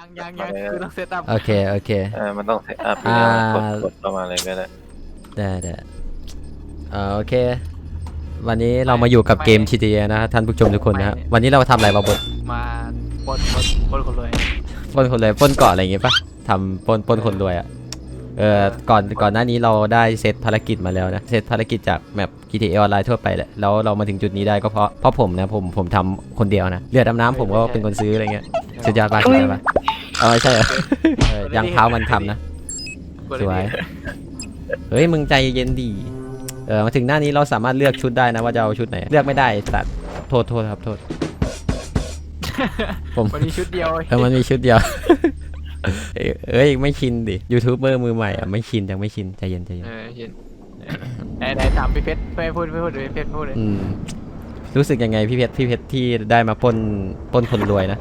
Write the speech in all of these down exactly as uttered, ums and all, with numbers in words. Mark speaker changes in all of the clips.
Speaker 1: ยังยังยังคือต้องเซตอัพ
Speaker 2: โอเคโอเค
Speaker 3: เออมันต้องเซตอัพกดกดเข้ามาเลยก็ได้
Speaker 2: ได้ได้โอเควันนี้เรามาอยู่กับเกม จี ที เอ นะท่านผู้ชมทุกคนนะวันนี้เราทำอะไรมาบด
Speaker 1: มาปนปนปนคนรวย
Speaker 2: ปนคนรวยปนเกาะอะไรอย่างเงี้ยปะทำปนปนคนรวยอ่ะเออก่อนก่อนหน้านี้เราได้เซตภารกิจมาแล้วนะเซตภารกิจจากแมป จี ที เอ ออนไลน์ทั่วไปแหละแล้วเรามาถึงจุดนี้ได้ก็เพราะเพราะผมนะผมผมทำคนเดียวนะเรือดำน้ำผมก็เป็นคนซื้ออะไรเงี้ยสุดยอดปะสุดยอดปะเออใช่เหรอยังเท้ามันทำนะสวยเฮ้ยมึงใจเย็นดีเออมาถึงหน้านี้เราสามารถเลือกชุดได้นะว่าจะเอาชุดไหนเลือกไม่ได้ตัดโทษโทษครับโทษ
Speaker 1: ผมมันมีชุดเดียว
Speaker 2: เออมันมีชุดเดียวเอ้ยไม่ชินดิยูทูบเบอร์มือใหม่อ่ะไม่ชินยังไม่ชินใจเย็นใจเย็น
Speaker 1: เออชินไหนไหนถามพี่เพชรไม่พูดไม่พูดเลยเพชรพูดเลย
Speaker 2: รู้สึกยังไงพี่เพชรพี่เพชรที่ได้มาปล้นปล้นคนรวยนะ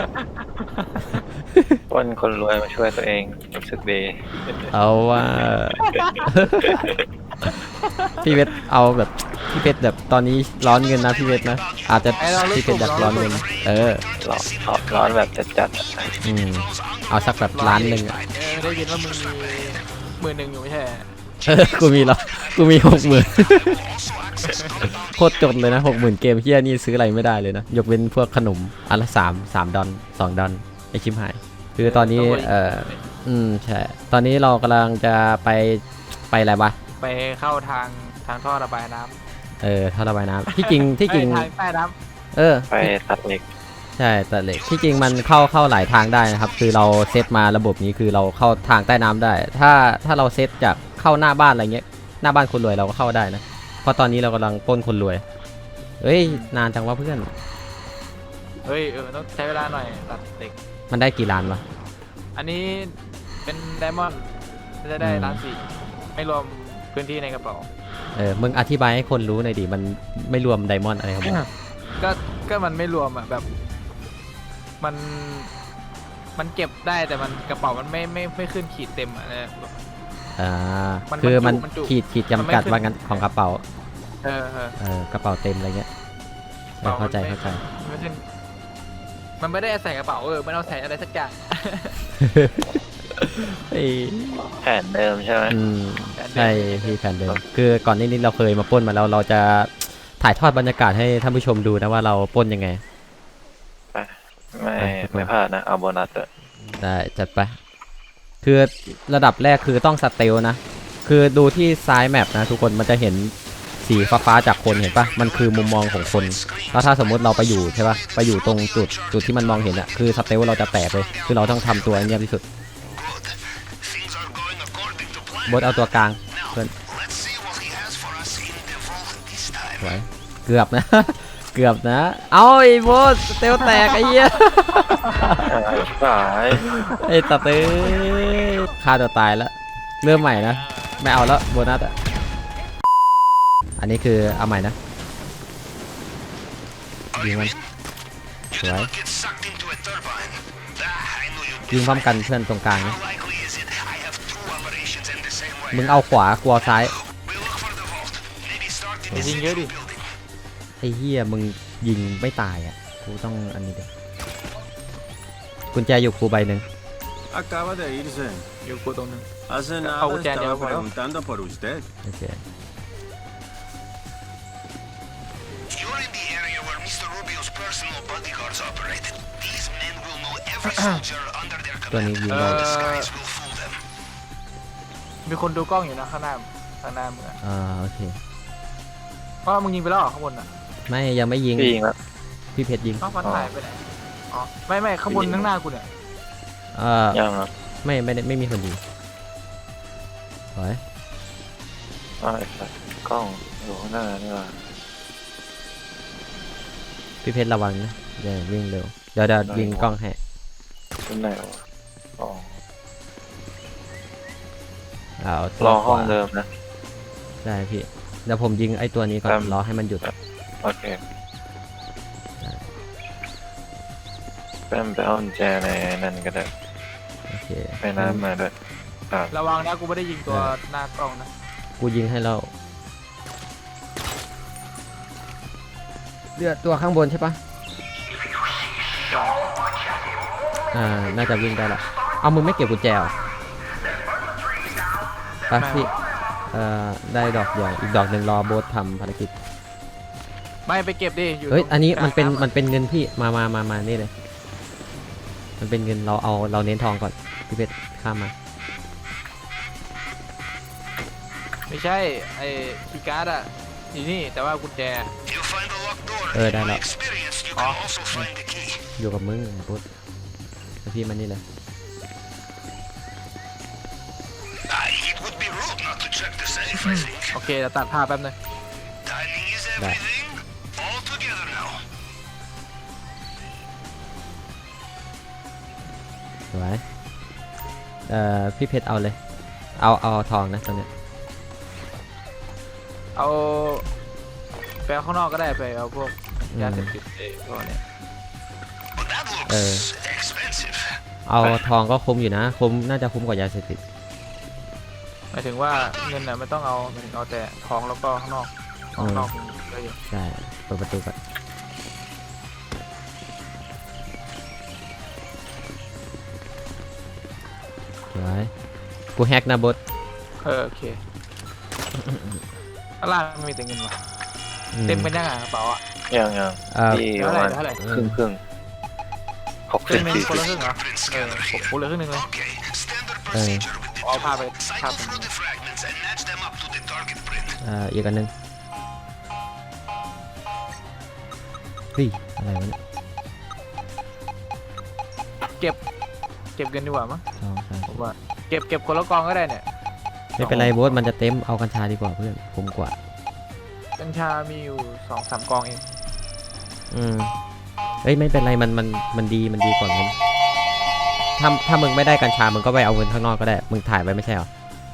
Speaker 3: ปล้นคนรวยมาช่วยตัวเองรู้สึกดี
Speaker 2: เอาว่าพี่เพชรเอาแบบพี่เพชรแบบตอนนี้ร้อนเงินนะพี่เพชรนะอาจจะพี่เพชรอยากร้อนเงินเออ
Speaker 3: ร้อนร้อนแบบจัด
Speaker 2: ๆอืมเอาสักแบบล้านหนึ่งอ่ะ
Speaker 1: ได้ยินว่ามึงมีหมื่นหนึ่งอยู่ไม่ใช่
Speaker 2: เออกูมีแล้วกูมีหกหมื่นโคตรจนเลยนะหกหมื่นเกมเฮียนี่ซื้ออะไรไม่ได้เลยนะยกเว้นพวกขนมอันละสามสามดอลสองดอลไอชิมหายคือตอนนี้เอออืมใช่ตอนนี้เรากำลังจะไปไปอะไรวะ
Speaker 1: ไปเข้าทางทางท่อระบายน้ำ
Speaker 2: เออท่อระบายน้ำที่จริงที่จริง
Speaker 1: ทางใต้น้
Speaker 2: ำเออ
Speaker 3: ไปตัดเหล็ก
Speaker 2: ใช่ตัดเหล็กที่จริงมันเข้าเข้าหลายทางได้นะครับคือเราเซตมาระบบนี้คือเราเข้าทางใต้น้ำได้ถ้าถ้าเราเซตจากเข้าหน้าบ้านอะไรเงี้ยหน้าบ้านคนรวยเราก็เข้าได้นะเพราะตอนนี้เรากำลังปล้นคนรวยเฮ้ยนานจังวะเพื่อน
Speaker 1: เฮ้ยเออต้องใช้เวลาหน่อยตัดเหล็ก
Speaker 2: มันได้กี่ล้านวะ
Speaker 1: อันนี้เป็นไดมอนด์จะได้ล้านสี่ไม่รวมพื้นที่ในกระเป๋า
Speaker 2: เออมึงอธิบายให้คนรู้หน่อยดิมันไม่รวมไดมอนด์อะไรครับมึง
Speaker 1: ก็ก็มันไม่รวมอ่ะแบบมันมันเก็บได้แต่มันกระเป๋ามันไม่ไม่ไม่ขึ้นขีดเต็มอ่ะนะ
Speaker 2: อ่าคือมันขีดขีดจำกัดว่างั้นของกระเป๋า
Speaker 1: เออ
Speaker 2: เออกระเป๋าเต็มอะไรเงี้ยเข้าใจเข้าใจ
Speaker 1: มันไม่ได้ใส่กระเป๋าเออมันเอาใส่อะไรสักอย่าง
Speaker 3: แผนเดิมใช่ไหม
Speaker 2: ใช่พี่แผนเดิมคือก่อนนี้เราเคยมาปล้นมาแล้วเราจะถ่ายทอดบรรยากาศให้ท่านผู้ชมดูนะว่าเราปล้นยังไง
Speaker 3: ไม่ไม่พลาดนะเอาโบนัสเลย
Speaker 2: ได้จัดไปคือระดับแรกคือต้องสเตลนะคือดูที่ซ้ายแมปนะทุกคนมันจะเห็นสีฟ้าๆจากคนเห็นปะมันคือมุมมองของคนแล้วถ้าสมมติเราไปอยู่ใช่ปะไปอยู่ตรงจุดจุดที่มันมองเห็นอะคือสเตลเราจะแตกเลยคือเราต้องทำตัวเงียบที่สุดบดเอาตัวกลางเพื่อนสวยเกือบนะเกือบนะเอาไอ้บดสเตลแตกไอ้เหี้ย
Speaker 3: สาย
Speaker 2: ไอ้ตัดเต้ฆ่าตัวตายแล้วเริ่มใหม่นะไม่เอาแล้วโบนัสอ่ะอันนี้คือเอาใหม่นะยิงมันสวยยิงพร้อมกันเพื่อนตรงกลางนะมึงเอาขวากลัวซ้าย
Speaker 1: ยิงเยอะดิ
Speaker 2: ไอ้เหี้ยมึงยิงไม่ตายอ่ะกูต้องอันนี้เดี๋ยวกุญแจอยู่กูใบหนึ่ง
Speaker 1: อยู่กูตรงนึงเอากุญแจเดียวพอแล้ว
Speaker 2: โอเคตัวนี้ยิงได้
Speaker 1: มีคนดูกล้องอยู่นะข้างหน้าข้างหน้ามึง
Speaker 2: อ่าโอเค
Speaker 1: เพราะมึงยิงไปแล้วข้างบนอ่ะ
Speaker 2: ไม่ยังไม่ยิง
Speaker 3: ยิงแล้ว
Speaker 2: พี่เพชรยิง
Speaker 1: มันหายไปไหนอ๋อไม่ไม่ข้างบนข้างหน้ากูเนี่ย
Speaker 2: เออยังครับไม่ไม่ได้ไม่มีคนยิงไว้
Speaker 3: อ๋อกล้องอยู่ข้างหน้านี่ว่า
Speaker 2: พี่เพชรระวังนะอย่าวิ่งเร็วเดี๋ยวเดี๋ยวยิงกล้องให้
Speaker 3: ตรงไหนวะอ๋อ
Speaker 2: เอา
Speaker 3: รอห้องเดิมนะ
Speaker 2: ได้พี่เดี๋ยวผมยิงไอ้ตัวนี้ก่อนรอให้มันหยุด
Speaker 3: โอเคแป้มไปเอากุญแจในนั่นก็ได้
Speaker 2: โอเค
Speaker 3: ไปน้ำมาด้วย
Speaker 1: ระวังนะกูไม่ได้ยิงตัวหน้ากล้องนะ
Speaker 2: กูยิงให้เราเลือดตัวข้างบนใช่ปะอ่าน่าจะวิ่งได้ละเอามึงไม่เก็บกุญแจเหรอไปพี่เอ่อได้ดอกเดียวอีกดอกหนึ่งรอโบ๊ททำภารกิจ
Speaker 1: ไม่ไปเก็บดิอยู่
Speaker 2: เฮ้ย
Speaker 1: ตรง
Speaker 2: อันนี้มันเป็น
Speaker 1: กลางำ
Speaker 2: มันเป็นเงินพี่มามามามานี่เลยมันเป็นเงินเราเอาเราเน้นทองก่อนพี่เพชรข้ามมา
Speaker 1: ไม่ใช่ไอ้คีย์การ์ดอะอยู่นี่แต่ว่ากุญแจ
Speaker 2: เออได้แล้ว
Speaker 1: อ๋อ
Speaker 2: อยู่กับมึงโบ๊ทแล้วพี่มันนี่เลย
Speaker 1: โอเคเดี๋ยวตัดภาพแป๊บนึง
Speaker 2: ได้สวยเอ่อพี่เพชรเอาเลยเอาเอาทองนะตอนเนี้ย
Speaker 1: เอาไปเอาข้างนอกก็ได้ไปเอาพวกยาเสพติดไอ้พวกเนี้ย
Speaker 2: เออเอาทองก็คุ้มอยู่นะคุ้มน่าจะคุ้มกว่ายาเสพติด
Speaker 1: หมายถึงว่าเงินน่ะไม่ต้องเอาหมายถึงเอาแต่ทองแล้วก็ข้างนอกข้างนอกมีเยอะอยู่
Speaker 2: ใช่เปิดประตูก่อนสวยกูแฮกนะบด
Speaker 1: เออโอเคข้างล่างมันมีแต่เงินว่ะ
Speaker 2: อื
Speaker 1: เต็มเป็นยังไงกระเป๋าอ่ะ
Speaker 3: ยังยัง
Speaker 2: เอ่อ
Speaker 3: ที่
Speaker 1: เท่า
Speaker 3: ประ
Speaker 1: ไหร่
Speaker 3: มาณ
Speaker 1: เท่าไหร่
Speaker 3: ครึ่งครึ่งหก
Speaker 1: ครึ่
Speaker 3: สิบ
Speaker 1: งหนึง
Speaker 3: สี่
Speaker 1: คน
Speaker 3: สิบ
Speaker 1: ละครึ่งเหรอเออผมกูเหลือครึ่งหนึงเลย
Speaker 2: เออ
Speaker 1: เอาผ้าไปผ้าไป
Speaker 2: เอ่ออีกอันหนึงเฮ้ยอะไรวะเนี่ย
Speaker 1: เก็บเก็บเงินดีกว่ามั้ง
Speaker 2: สองสาม
Speaker 1: ผมว่าเก็บเก็บคนละกองก็ได้เนี่ย
Speaker 2: ไม่เป็นไรโบสมันจะเต็มเอากัญชาดีกว่าเพื่อนคุ้มกว่า
Speaker 1: กัญชามีอยู่สองสามกองเอง
Speaker 2: อืมเฮ้ยไม่เป็นไรมันมันมันดีมันดีกว่าเงินถ้าถ้ามึงไม่ได้กัญชามึงก็ไปเอาเงินข้างนอกก็ได้มึงถ่ายไว้ไม่ใช่เหรอ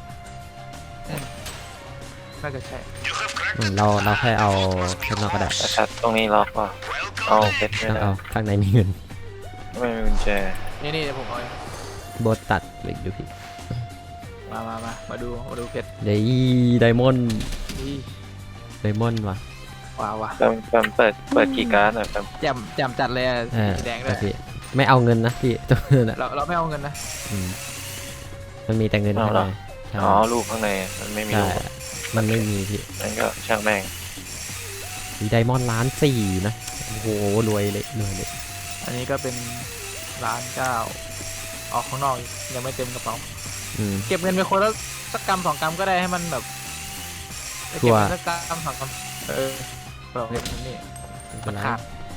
Speaker 1: น่าจะใช่
Speaker 2: อืมเราเราแค่เอาข้างนอกก็ได้
Speaker 3: แต่ชัดตรงนี้ล็อกป่ะเอาเพชรไม่
Speaker 2: ต้อง
Speaker 3: ได้
Speaker 2: เอาข้างในมีเงิน
Speaker 3: ไม่มีกุญแจ
Speaker 1: นี่นี่เดี๋ยวผมเอาเอง
Speaker 2: โบสตัดเหล็กดูพี่
Speaker 1: มามามามาดูมาดูเพชร
Speaker 2: เดย์ไดมอนด์
Speaker 1: นี่
Speaker 2: ไดมอนด์ว่ะ
Speaker 1: ว้าวว่ะ
Speaker 3: แปมแปมเปิดเปิดกี่การ์ดหน่อยแปม
Speaker 1: แจ่มแจ่มจัดเลยอะ
Speaker 2: เออ
Speaker 1: สีแดงด้วย
Speaker 2: พี่ไม่เอาเงินนะพี่ตัวนั้นอะ
Speaker 1: เราเราไม่เอาเงินนะ
Speaker 2: อืมมันมีแต่เงินข้างในใช่
Speaker 3: อ๋อลูกข้างในมันไม่มี
Speaker 2: ใช่
Speaker 3: ลูก
Speaker 2: มันไม่มีพี่
Speaker 3: นั่นก็ช่างแม่ง
Speaker 2: มีไดมอนด์ล้านสี่นะโอ้โหรวยเลยรวยเลย
Speaker 1: อันนี้ก็เป็นร้านเก้าออกข้างนอกอีกยังไม่เต็มกระเป๋า
Speaker 2: อืม
Speaker 1: เก็บเงินไปคนละสักกำสองกำก็ได้ให้มันแบบไป
Speaker 2: ชั
Speaker 1: เก็บ
Speaker 2: วร์
Speaker 1: เงินสักกำสองกำเออเราเก็บเงินนี่
Speaker 2: ไม่เป็นไร
Speaker 1: ขาด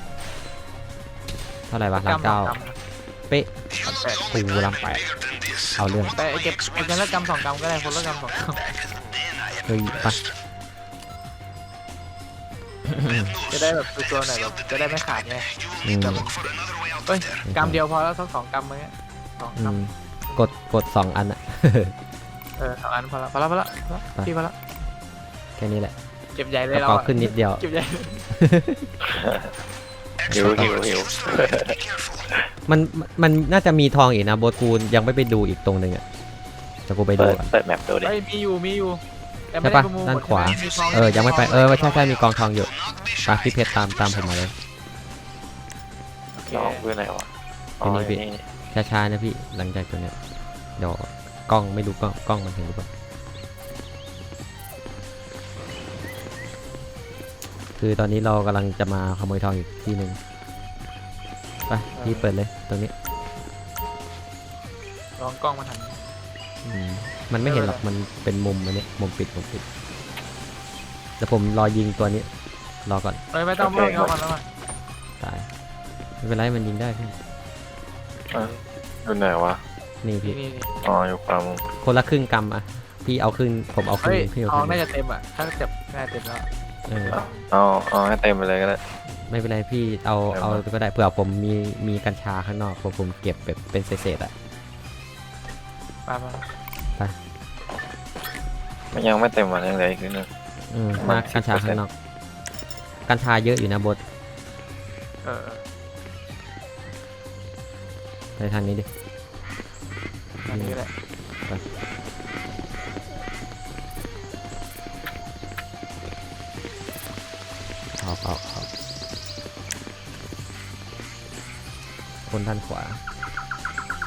Speaker 2: เท่าไหร่วะ
Speaker 1: สั
Speaker 2: ล้าน
Speaker 1: กำสอ
Speaker 2: เก้าง
Speaker 1: กำนะ
Speaker 2: เป๊ะ
Speaker 1: แปด
Speaker 2: ปูล้านแปดเอาเรื่อง
Speaker 1: ไปเก็บเก็บเงินละกำสองกำก็ได้คนละกำสองก
Speaker 2: เฮ้ยไป
Speaker 1: ำจะได้แบบตัวๆหน่อยแบบจะได้ไม่ขาดไง
Speaker 2: อืม
Speaker 1: เฮ้ยกำเดียวพอแล้วสักสองกำมั้งเนี่ยสอง
Speaker 2: อื
Speaker 1: ก
Speaker 2: มกดกดสองอันอะ
Speaker 1: ำเออสองอันพอละพอละพอละพอละ
Speaker 2: ไป
Speaker 1: พี่พอละ
Speaker 2: แค่นี้แหละ
Speaker 1: เก็บใหญ่เล
Speaker 2: ก
Speaker 1: ย
Speaker 2: ระ
Speaker 1: เรา
Speaker 2: เป๋า
Speaker 1: อะ
Speaker 2: ขึ้นนิดเดียว
Speaker 1: เก็บใหญ่
Speaker 3: หิวหิวหิว
Speaker 2: มันมันน่าจะมีทองอีกนะโบทกูยังไม่ไปดูอีกตรงหนึ่งอะจะกูไปดู
Speaker 3: เปิด
Speaker 2: ก่อน
Speaker 3: เปิดแมปดูดิ
Speaker 1: เฮ้ยมีอยู่มีอยู่แต่
Speaker 2: ใช่
Speaker 1: ไม่ได้
Speaker 2: ปะ
Speaker 1: ประมูล
Speaker 2: ด้านขวา
Speaker 1: หมดใช่หม
Speaker 2: เออยังไม่ไปเออใช่ใช่มีกองทองอยู่ไปพี่เพชรตามตามผมมาเลย
Speaker 1: โอเค
Speaker 3: ลองดูไหนวะอ๋อ
Speaker 2: นี่พี่
Speaker 3: นี่
Speaker 2: ช้าๆนะพี่หลังจากตัวเนี้ยเดี๋ยวกล้องไม่รู้กล้องกล้องมันเห็นหรือเปล่าคือตอนนี้เรากำลังจะมาขโมยทองอีกที่หนึ่งไปพี่เปิดเลยตรงนี้
Speaker 1: ลองกล้องมาหัน
Speaker 2: อืมมันไม่เห็นหรอกมันเป็นมุมอันนี้มุมปิดมุมปิดแต่ผมรอยิงตัวนี้รอก่อน
Speaker 1: เฮ้ยไม่ต้องไม่ต้องเอามันแล้วมั้ง
Speaker 2: ตายไม่เป็นไรมันยิงได้พี่
Speaker 3: ดูไหนวะ
Speaker 2: นี่
Speaker 1: นี่
Speaker 2: พี่
Speaker 1: นี่นี่
Speaker 3: อ๋ออยู่ความ
Speaker 2: คนละครึ่งกำอ่ะพี่เอาครึ่งผมเอาครึ่
Speaker 1: เฮ้
Speaker 2: ง
Speaker 1: ย
Speaker 2: พี่เอา
Speaker 1: ท
Speaker 2: ค
Speaker 1: อง
Speaker 2: รึ่ง
Speaker 1: น่าจะเต็มอ่ะถ้าเจ็บน่าจะเต็มแล้ว
Speaker 2: เออ
Speaker 3: เอาเอาให้เต็มไปเลยก็ได้
Speaker 2: ไม่เป็นไรพี่เอาเอาก็ได้เผื่อผมมีมีกัญชาข้างนอกผมผมเก็บแบบเป็นเศษๆอ่ะ
Speaker 1: ไปไป
Speaker 3: มันยังไม่เต็มวันยังเหลืออีกนิดนึง
Speaker 2: อืม
Speaker 3: ประ
Speaker 2: มา
Speaker 3: มาณ
Speaker 2: กัญชา
Speaker 3: สิบเปอร์เซ็นต์
Speaker 2: ข้างนอกกัญชาเยอะอยู่นะบด
Speaker 1: เออเออ
Speaker 2: ไปทางนี้ดิ
Speaker 1: อันนี้ก็ได้
Speaker 2: เอาเอาเอาคนด้านขวา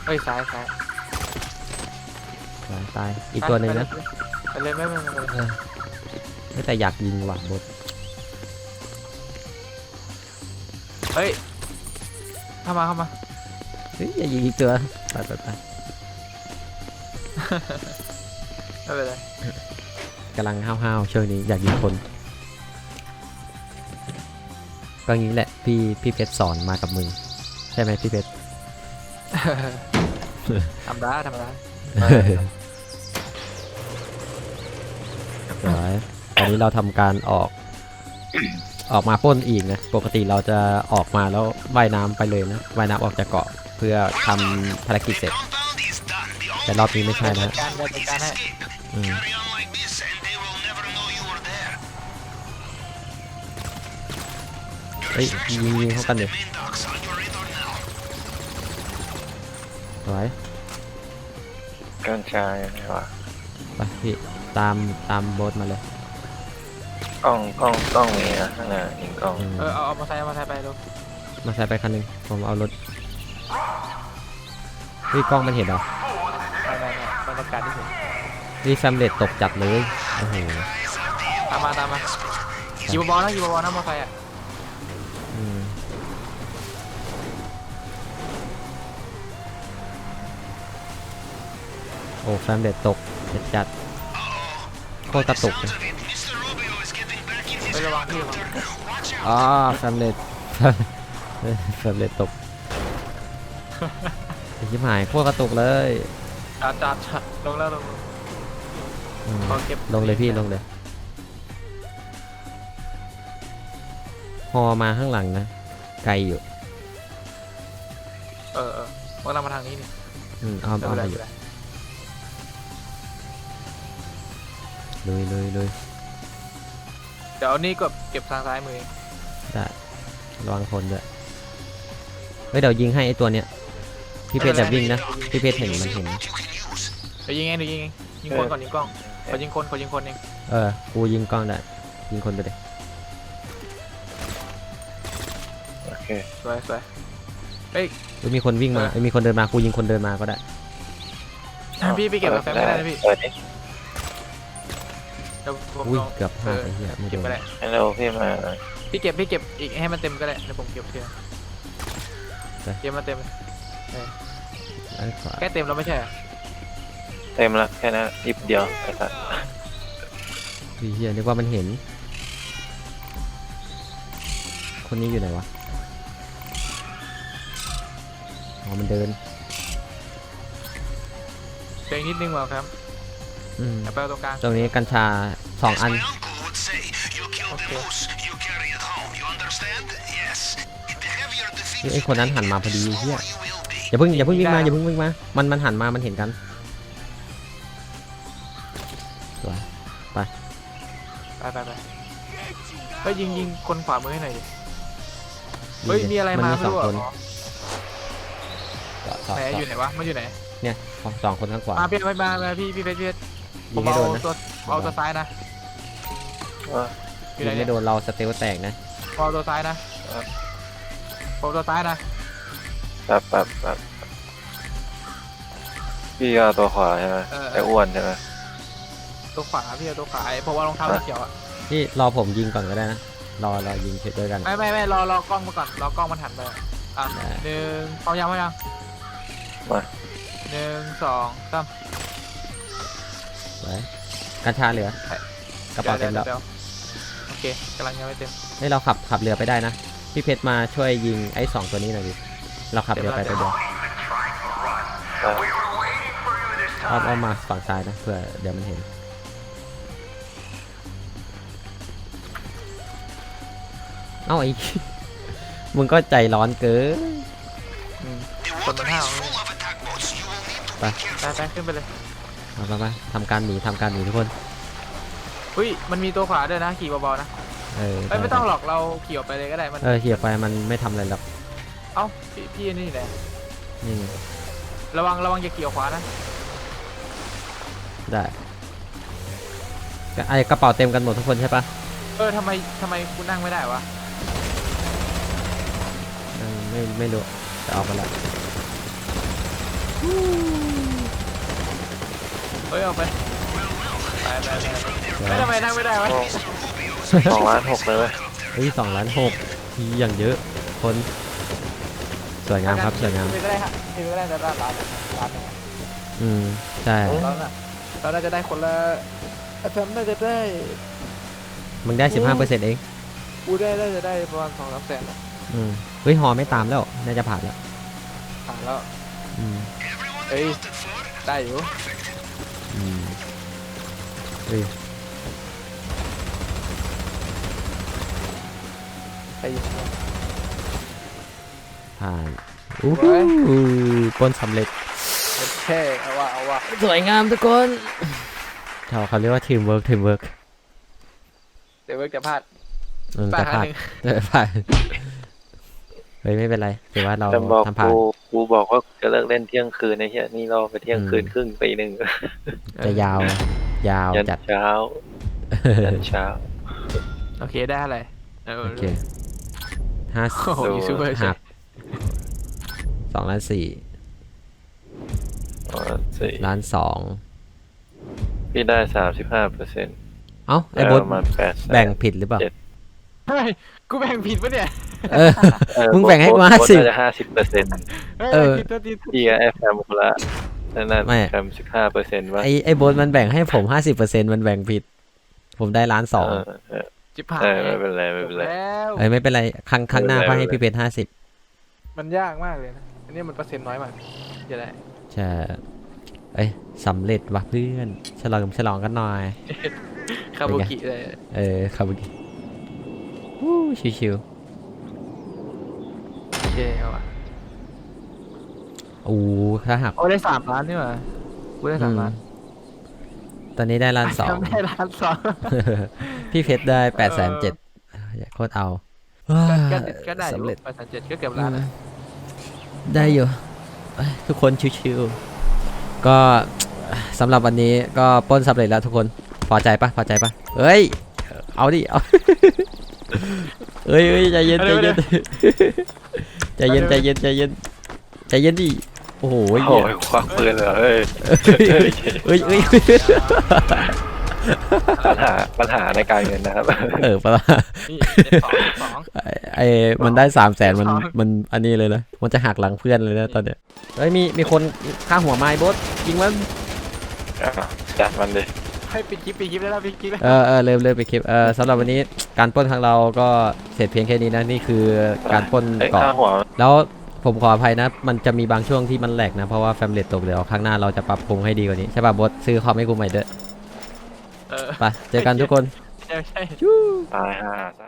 Speaker 1: เฮ้ยซ้ายซ้าย
Speaker 2: ตายตายอีกตัวหนึ่งนะ
Speaker 1: ไปเลยไม่ไม่ไม่ไม่
Speaker 2: เออไม่แต่อยากยิงว่ะบด
Speaker 1: เฮ้ยเข้ามาเข้ามา
Speaker 2: เฮ้ยอย่ายิงอีกตัวไปไปไป
Speaker 1: ไม่เป็นไร
Speaker 2: กำลังห้าวๆช่วงนี้อยากยิงคนก็งี้แหละพี่พี่เพชรสอนมากับมือใช่ไหมพี่เพชร
Speaker 1: ทำได้ทำได้
Speaker 2: เดี๋ยวตอนนี้เราทำการออก ออกมาปล้นอีกนะปกติเราจะออกมาแล้วว่ายน้ำไปเลยนะว่ายน้ำออกจากเกาะเพื่อทำภารกิจเสร็จ แต่รอบนี้ไม่ใช่นะ
Speaker 1: การจัดการให้
Speaker 2: อืมเฮ้ยยิงยิงเข้ากันเดี๋ยวสวย
Speaker 3: กัญชาอย่างไรวะ
Speaker 2: ไปพี่ตามตามโบ๊ทมาเลย
Speaker 3: กล้องกล้องกล้องมีนะข้างหน้ายิงกล้อง
Speaker 2: อืม
Speaker 1: เออเอาเอามาใส่เอามาใส่ไปลูก
Speaker 2: มาใส่ไปคันหนึงผมเอารถพี่กล้องมันเห็นเหรอ
Speaker 1: ไม่ไม่ไม่บรรยากาศที่สุด
Speaker 2: นี่แฟมเลตตกจัดเลยโอ้โห
Speaker 1: ตามมาตามมาขี่บอลนะขี่บอลนะมอไซค์อ่ะ
Speaker 2: อืมโอ้แฟมเลตตกจัดจัดโคตรกระตุกเลย
Speaker 1: ไประวังพี่ระวัง
Speaker 2: อ๋อแฟมเลต แฟมเลตตกไอ้ชิบหายโคตรกระตุกเลย
Speaker 1: จัดจัดจัดลงแล้วลง
Speaker 2: อืม
Speaker 1: เอาเก็บ
Speaker 2: ลงเลยพี่ลงเลยพอมาข้างหลังนะไกลอยู่
Speaker 1: เออเออพวกเรามาทางนี้นี่
Speaker 2: อืมเอา
Speaker 1: ไม่
Speaker 2: เอา
Speaker 1: เป็นไร
Speaker 2: ไปอ
Speaker 1: ไม่
Speaker 2: ยู่
Speaker 1: เป็นไร
Speaker 2: เลยเลยเลย
Speaker 1: เดี๋ยวเอานี่ก็เก็บทางซ้ายมือเอง
Speaker 2: ได้ระวังคนด้วยเฮ้ยเดี๋ยวยิงให้ไอตัวเนี้ยพี่เพชรแบบวิ่งนะพี่เพชรเห็นมันเห็น
Speaker 1: เดี๋ยวยิงเองเดี๋ยวยิงเองยิงคนก่อนยิงกล้องขอยิงคนขอยิงคนเอง
Speaker 2: เออกูยิงกล้องได้ยิงคนไปเลย
Speaker 3: โอเค
Speaker 1: สวยสวยเฮ้ย
Speaker 2: หรือมีคนวิ่งมาเอ้ยมีคนเดินมากูยิงคนเดินมาก็ได้
Speaker 1: พี่พี่เก็บกาแฟไม่ได้นะพี่
Speaker 3: เปิดดิ
Speaker 1: เดี๋ยวผม
Speaker 2: อุ้ย
Speaker 1: ลอง
Speaker 2: เกือบพลาดไอ้เหี้ยไม่โด
Speaker 1: เก็บ
Speaker 2: น
Speaker 1: ไปได้
Speaker 3: ฮัลโหลพี่มาหน่อย
Speaker 1: พี่เก็บพี่เก็บอีกให้มันเต็มก็ได้เดี๋ยวผมเก็บทีละเก็บมาเต็ม
Speaker 2: ด้านขวา
Speaker 1: แค่เต็มแล้วไม่ใช่เหรอ
Speaker 3: เต็มละแค่นั้นนิดเดียวไอ้สัส
Speaker 2: พี่เหี้ยนึกว่ามันเห็น คนนี้อยู่ไหนวะอ๋อมันเดิน
Speaker 1: เพียงนิดนึงว่ะครับ
Speaker 2: อืม
Speaker 1: เดี๋ยวไปเอาตรงกลาง
Speaker 2: ตรงนี้กัญชาสองอัน
Speaker 1: โอเค
Speaker 2: นี่ไอ้คนนั้นหันมาพอดีเฮียอย่าเพิ่งอย่าเพิ่งวิ่งมาอย่าเพิ่งวิ่งมา มันมันหันมามันเห็นกันสวย
Speaker 1: ไปไปไปเฮ้ยยิงยิงคนขวามือให้หน่อยดิเฮ้ยมีอะไรมา
Speaker 2: มี
Speaker 1: ไม่
Speaker 2: สอง
Speaker 1: รู้
Speaker 2: คน
Speaker 1: อ่ะ
Speaker 2: เจาะเจาะ
Speaker 1: ไหนอยู่ไหนวะมันอยู่ไหน
Speaker 2: เนี่ยสองคนข้างขวา
Speaker 1: มาพี่ไม่มามาพี่พี่เพชรพี่เพชรผ
Speaker 2: ยิ
Speaker 1: ม
Speaker 2: งไม่
Speaker 1: เอา
Speaker 2: โดนนะ
Speaker 1: ตัวเอาตัวซ้ายนะ
Speaker 3: ว่า
Speaker 1: อยู่
Speaker 2: ยิ
Speaker 1: ไหน
Speaker 2: ง
Speaker 1: เนี่
Speaker 2: ไม่
Speaker 1: ย
Speaker 2: โดนเราสเตลแตกนะ
Speaker 1: ผมเอาตัวซ้ายนะผมเอาตัวซ้ายนะ
Speaker 3: แบบแบบแบบพี่เอาตัวขวาใช่ไหม
Speaker 1: เออ
Speaker 3: ไอ้อ้วนใช่ไหม
Speaker 1: ตัวขวาพี่เอาตัวขวาไอ้ผมเอารองเท้าสีเขียวอ่ะ
Speaker 2: นี่รอผมยิงก่อนก็ได้นะรอรอยิงเสร็จด้วยกัน
Speaker 1: ไม่ไม่ไม่รอรอกล้องมาก่อนรอกล้องมันหันไปอ่ะ
Speaker 2: ได้
Speaker 1: หนึ่งพร้อมยังพร้อมยัง
Speaker 3: มา
Speaker 1: หนึ่งสองสาม
Speaker 2: สวยกัญชาเหลือ กระเป๋าเต็มแล้ว
Speaker 1: ดี๋ยดี๋ยโอเคกำลังยังไม่เต็ม
Speaker 2: ให้เราขับขับเรือไปได้นะพี่เพชรมาช่วยยิงไอ้สองตัวนี้หน่อยดิเราขับเรือไปตัวเดียว
Speaker 3: ได้
Speaker 2: อ้อมอ้อมมาฝั่งซ้ายนะเพื่อเดี๋ยวมันเห็นเอ้าไอ้ มึงก็ใจร้อนเกิน
Speaker 1: อืมคนมันห้าว
Speaker 2: ไป
Speaker 1: ไปไปขึ้นไปเลย
Speaker 2: มาไปไปทำการหนีทำการหนีทุกคน
Speaker 1: อุ้ยมันมีตัวขวาด้วยนะขี่เบาๆนะ
Speaker 2: เออ
Speaker 1: เอ้ยไม่ต้องหรอกเราขี่ออกไปเลยก็ได้มัน
Speaker 2: เออเขี่ยไปมันไม่ทำอะไรหรอก
Speaker 1: เอ้าพี่พี่นี่แหละ
Speaker 2: นี่ไง
Speaker 1: ระวังระวังอย่าขี่ออกขวานะ
Speaker 2: ได้ไอ้กระเป๋าเต็มกันหมดทุกคนใช่ปะ
Speaker 1: เออทำไมทำไมกูนั่งไม่ได้วะ
Speaker 2: เออไม่ไม่รู้แต่เอาไปละ
Speaker 1: เฮ้ยออกไปไปไปไปไม่ทำไมนั่งไม่ได้วะ
Speaker 3: สองล้านหกเลยเว้ย
Speaker 2: เฮ้ยสองล้านหกทีอย่างเยอะคนสวยงามครับสวยงาม
Speaker 1: ไม่ได้ฮะไม่ได้จะร้านร้านร้าน
Speaker 2: อืมใช่
Speaker 1: เราน่ะเราน่าจะได้คนละแฟมน่าจะได้
Speaker 2: มึงได้สิบห้าเปอร์เซ็นต์เอง
Speaker 1: กูได้น่าจะได้ประมาณสองสามแสน
Speaker 2: อืมเฮ้ยฮอไม่ตามแล้วน่าจะผ่านแล้ว
Speaker 1: ผ่านแล้ว
Speaker 2: อืม
Speaker 1: เอ้ยได้อยู่
Speaker 2: อืมเฮ้ย
Speaker 1: ไปอยู่
Speaker 2: ผ่านอู้หูปล้นสำเร็จ
Speaker 1: แค่เอาว่าเอาว่า
Speaker 2: สวยงามทุกคนเขาเขาเรียกว่าทีมเวิร์กทีมเวิร์ก
Speaker 1: เดี๋ยวเวิร์กจะพลาด
Speaker 2: อืม
Speaker 1: พลา
Speaker 2: จะ
Speaker 1: ดครั้
Speaker 2: ผ่าง น
Speaker 1: หนึ่ง
Speaker 2: จะผ่านเฮ้ยไม่เป็นไรถือว่าเรา
Speaker 3: แต่บอก
Speaker 2: ทำผ่าน
Speaker 3: กูกูบอกว่าจะเลิกเล่นเที่ยงคืนไอ้เหี้ยนี่รอไปเที่ยงคืนครึ่งตีหนึ่ง
Speaker 2: จะยาวย าว
Speaker 3: ยัน
Speaker 2: จัด
Speaker 3: เช้ายันเช้า
Speaker 1: โอเคได้อะไรเออ
Speaker 2: โอเคห้าสิบ
Speaker 1: โอ้โหยูทูบเบอร์
Speaker 2: หักสองล้านสี่
Speaker 3: อ๋อสี่
Speaker 2: ล้านสอง
Speaker 3: พี่ได้สามสิบห้าเปอร์เซ็นต์
Speaker 2: เอ้าไอ้
Speaker 3: ได้
Speaker 2: บด
Speaker 3: ประมาณแปดสน
Speaker 2: แบ่งผิดหรือเปล่า
Speaker 3: เจ็ด
Speaker 1: เฮ้ยกูแบ่งผิดปะเนี่ย
Speaker 2: เออ
Speaker 3: เออ
Speaker 2: มึงแบ่งให้กู
Speaker 3: โบ๊ท
Speaker 2: ห้าสิบ
Speaker 3: โบ๊ทน่าจะห้าสิบเปอร์เซ็นต์
Speaker 1: เฮ้ย
Speaker 2: เออ
Speaker 1: ผิดตัวผิด
Speaker 3: พี่กับไอ้แฟมคนละนั่นน่ะ
Speaker 2: ไม่
Speaker 3: แฟมสิบห้าเปอร์เซ็นต์ว่า
Speaker 2: ไอ้ไอ้บดมันแบ่งให้ผมห้าสิบเปอร์เซ็นต์มันแบ่งผิด ผมได้ล้านสอง
Speaker 3: เออเออ
Speaker 1: จิบหาย
Speaker 3: เออไม่เป็นไรไม่เป็นไร
Speaker 1: แล้ว
Speaker 2: เอ้ยไม่เป็นไรครั้งครั้งหน้า
Speaker 3: ไม่
Speaker 2: ก็
Speaker 3: เป็นไร
Speaker 2: ให้พี่เพชรห้าสิบ
Speaker 1: มันยากมากเลยนะอันนี้มันเปอร์เซ็นต์น้อยมากจะได้
Speaker 2: ใช่เอ้ยสำเร็จว่ะเพื่อนฉลองฉลองกันหน่อย
Speaker 1: คาบุกิเลย
Speaker 2: เออครับเมื่อกี้วู้ชิว
Speaker 1: โอเคเอาว่ะ
Speaker 2: ๆโอ้ถ้าหัก
Speaker 1: โอ้ได้สามล้านนี่หว่ากูได้สามล้าน
Speaker 2: ตอนนี้ได้ล้านสอง
Speaker 1: ได้ล้านสอง
Speaker 2: พี่เพชรได้แปดแสนเจ็ดโคตรเอา
Speaker 1: ก็ก็ได้อยู่
Speaker 2: สำเร็จ
Speaker 1: แปดแสนเจ็ดก็เกือบล้านนะ
Speaker 2: ได้อยู่เอ้ยทุกคนชิวๆก็สำหรับวันนี้ก็ปล้นสำเร็จแล้วทุกคนพอใจปะพอใจปะเฮ้ยเอาดิเอา เฮ้ยเฮ้ยใจเย็นใจเย็นใจเย็นใจเย็นใจเย็นใจเย็นดิโอ้โห
Speaker 3: โอ้
Speaker 2: เหี้ย
Speaker 3: ยควักปืนเลยเหรอเอ้ย
Speaker 2: เฮ้ยเฮ้ยเฮ้ย
Speaker 3: ปัญหาปัญหาในการเงินนะครับ
Speaker 2: เออปะล่ะ
Speaker 1: นี่เจ็ดสองเจ็ดสอง
Speaker 2: ไอ้ไอ้มันได้สามแสนมัน
Speaker 1: สอง
Speaker 2: มันอันนี้เลยนะมันจะหักหลังเพื่อนเลยนะตอนเนี้ยเฮ้ยมีมีคนฆ่าหัวไม้บดยิงมัน
Speaker 3: อ่ะจัดมันดิ
Speaker 1: ให้ปิดคลิปปิดคลิปได้แล้วปิดคลิปแล้ว
Speaker 2: เออเออเริ่มเริ่มไปคลิปเออสำหรับวันนี้การปล้นของเราก็เสร็จเพียงแค่นี้นะนี่คือการปล้น
Speaker 3: ไอ้ย
Speaker 2: เกาะ
Speaker 3: ค่าหัว
Speaker 2: แล้วผมขออภัยนะ มันจะมีบางช่วงที่มันแหลกนะ เพราะว่าแฟมเลตตกเดี๋ยวครั้งหน้าเราจะปรับปรุงให้ดีกว่านี้ ใช่ป่ะบดซื้อคอมให้กูใหม่เด้อ
Speaker 1: เออ
Speaker 2: ไปเจอกันทุกคน
Speaker 1: ใช่ใช่
Speaker 3: ตายห่า